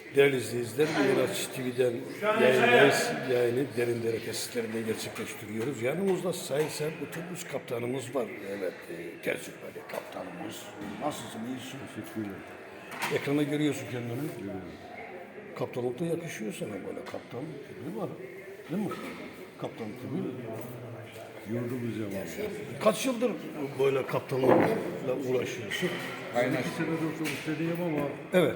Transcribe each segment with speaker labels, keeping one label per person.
Speaker 1: Değerli izleyiciler, Miraç TV'den yayındayız. Yayını Derindere tesislerinde gerçekleştiriyoruz. Yanımızda Sayın Serp otobüs kaptanımız var. Evet, tecrübeli kaptanımız. Nasılsın, iyisin?
Speaker 2: Teşekkürler.
Speaker 1: Ekrana görüyorsun kendini.
Speaker 2: Görüyorum.
Speaker 1: Kaptanlık da yakışıyor sana böyle. Kaptan tipi var. Değil mi? Kaptan tipi.
Speaker 2: Yordumuz zaman.
Speaker 1: Kaç yıldır böyle kaptanlıkla uğraşıyorsun?
Speaker 2: Aynen. 2 senedir otobüsteyim ama
Speaker 1: Evet.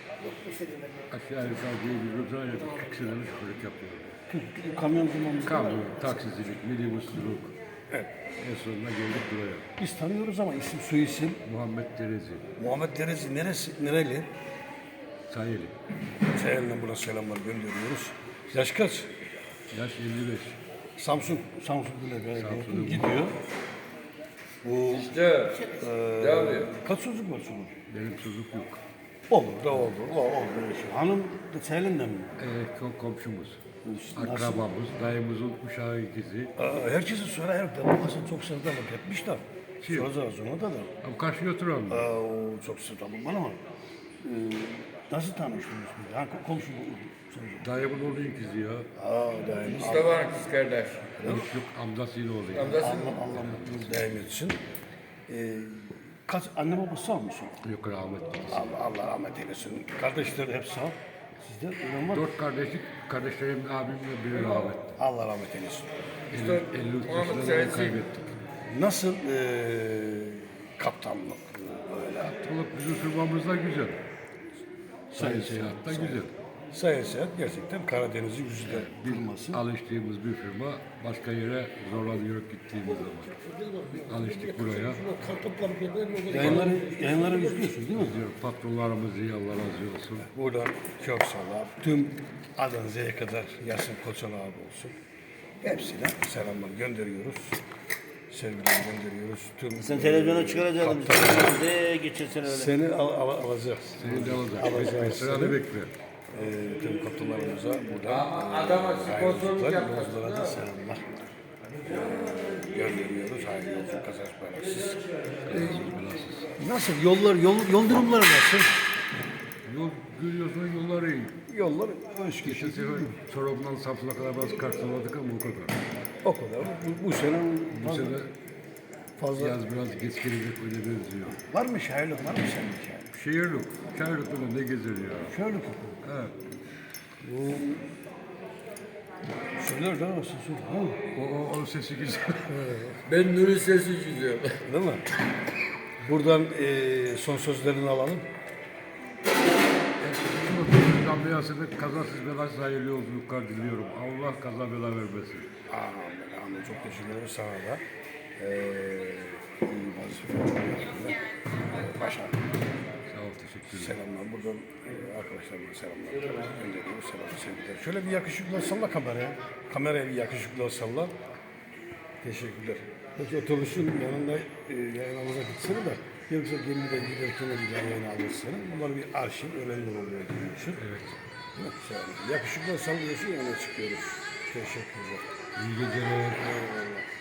Speaker 2: aşağı yukarı diyebilirim. Zaten 40 senedir şoförlük yapıyorum.
Speaker 1: Kamyon zamanımızda.
Speaker 2: Kamyon, taksicilik, minibüslülük.
Speaker 1: Evet.
Speaker 2: En sonunda geldik buraya.
Speaker 1: Biz tanıyoruz ama isim soyisim.
Speaker 2: Muhammed Derezi,
Speaker 1: Muhammed Derezi nereli?
Speaker 2: Sayeli.
Speaker 1: Seyen'le buna selamlar gönderiyoruz. Yaş kaç?
Speaker 2: Yaş 55.
Speaker 1: Samsun bile
Speaker 2: Samsun'un
Speaker 1: gidiyor. Bu kaç çocuk var çocuk?
Speaker 2: Benim çocuk yok.
Speaker 1: Olur da olur. Olur. Hanım da Seyen'den mi?
Speaker 2: Komşumuz,
Speaker 1: Nasıl?
Speaker 2: akrabamız, dayımızın uşağı ikizi.
Speaker 1: Herkese söyle her babasını çok sevdalık etmişler.
Speaker 2: Kim?
Speaker 1: Soracağız ona da.
Speaker 2: Ama karşıya oturan mı?
Speaker 1: O çok sevdalık bana ama. Nasıl tanıştınız? Ha, komşu bu.
Speaker 2: Dayımın oğlu ikizi ya.
Speaker 1: Daim.
Speaker 3: Mustafa kız kardeş.
Speaker 2: Yok amcasıyla oluyor.
Speaker 1: Allah mutluluğu daim etsin. Kaç anne babası sağ mısın?
Speaker 2: Yok rahmetli.
Speaker 1: Allah rahmet eylesin. Kardeşler hep sağ. Sizde ölen var mı?
Speaker 2: 4 kardeşlik, kardeşlerim abimle biri rahmetli.
Speaker 1: Allah rahmet eylesin.
Speaker 2: 53
Speaker 3: Muhammed
Speaker 2: yaşında
Speaker 3: Serezi.
Speaker 2: kaybettik.
Speaker 1: Nasıl kaptanlık böyle?
Speaker 2: Balık bizim firmamızda güzel. Sayın Seyahat'ta güzel.
Speaker 1: Sayın Seyahat gerçekten Karadeniz'in yüzde firması.
Speaker 2: Alıştığımız bir firma, başka yere zorlanıyor gittiğimiz zaman. Alıştık buraya.
Speaker 1: Yayınları izliyorsun değil mi?
Speaker 2: Diyor, patronlarımız iyi, Allah razı olsun.
Speaker 1: Buradan çok selam. Tüm Adan Z'ye kadar Yasin Koçan abi olsun. Hepsine selamlar gönderiyoruz. Sevgiler gönderiyoruz. Tüm
Speaker 4: Sen televizyona çıkaracaktın. De geçen sene öyle.
Speaker 1: seni alacağız.
Speaker 2: Seni de alacak.
Speaker 1: Alacağız.
Speaker 2: Bekle, sıranı bekle.
Speaker 1: Tüm kaptanlarımıza buradan
Speaker 3: Adama sponsorluk
Speaker 1: yolculara
Speaker 3: yapmasın.
Speaker 1: da selamlar gönderiyoruz. Hayırlı yolculuk, kazanç belasız. Nasıl? Yol durumları nasıl?
Speaker 2: Yol görüyorsun, yollar iyi.
Speaker 1: Yollar hoş
Speaker 2: Geçen
Speaker 1: geçiyor.
Speaker 2: sefer Çorum'dan Samsun'a kadar biraz karşıladık ama o kadar.
Speaker 1: O kadar. Bu sene
Speaker 2: Bu
Speaker 1: fazla,
Speaker 2: sene
Speaker 1: fazla.
Speaker 2: yaz biraz geç gelecek öyle benziyor.
Speaker 1: Var mı şairlik? Var mı senin şairlik?
Speaker 2: Şehirlik, şehirlik böyle ne gezer ya.
Speaker 1: Şairlik.
Speaker 2: Evet.
Speaker 1: Bu söyler de nasıl söyler?
Speaker 2: O sesi güzel.
Speaker 3: Ben Nuri sesi çiziyorum.
Speaker 1: Değil mi? Buradan son sözlerini alalım.
Speaker 2: Şuradan beyazını kazasız belasız hayırlı yolculuklar diliyorum. Allah kaza bela vermesin.
Speaker 1: Amin. Çok teşekkür ederim sana da. İyi vazife. Başarılı.
Speaker 2: Sağ ol, teşekkür ederim.
Speaker 1: Selamlar. Buradan arkadaşlarıma selamlar gönderiyoruz. Selam, sevgiler. Şöyle bir yakışıklı salla kameraya. Kameraya bir yakışıklı salla. Teşekkürler. Peki otobüsün yanında yayınımıza gitsene de yoksa gemide giderken de bir daha yayın alırsın. Bunlar bir arşiv, önemli oluyor diyorsun.
Speaker 2: Evet.
Speaker 1: Yakışıklı sallıyorsun, yana çıkıyoruz. Teşekkürler.
Speaker 2: İyi geceler.
Speaker 1: Eyvallah.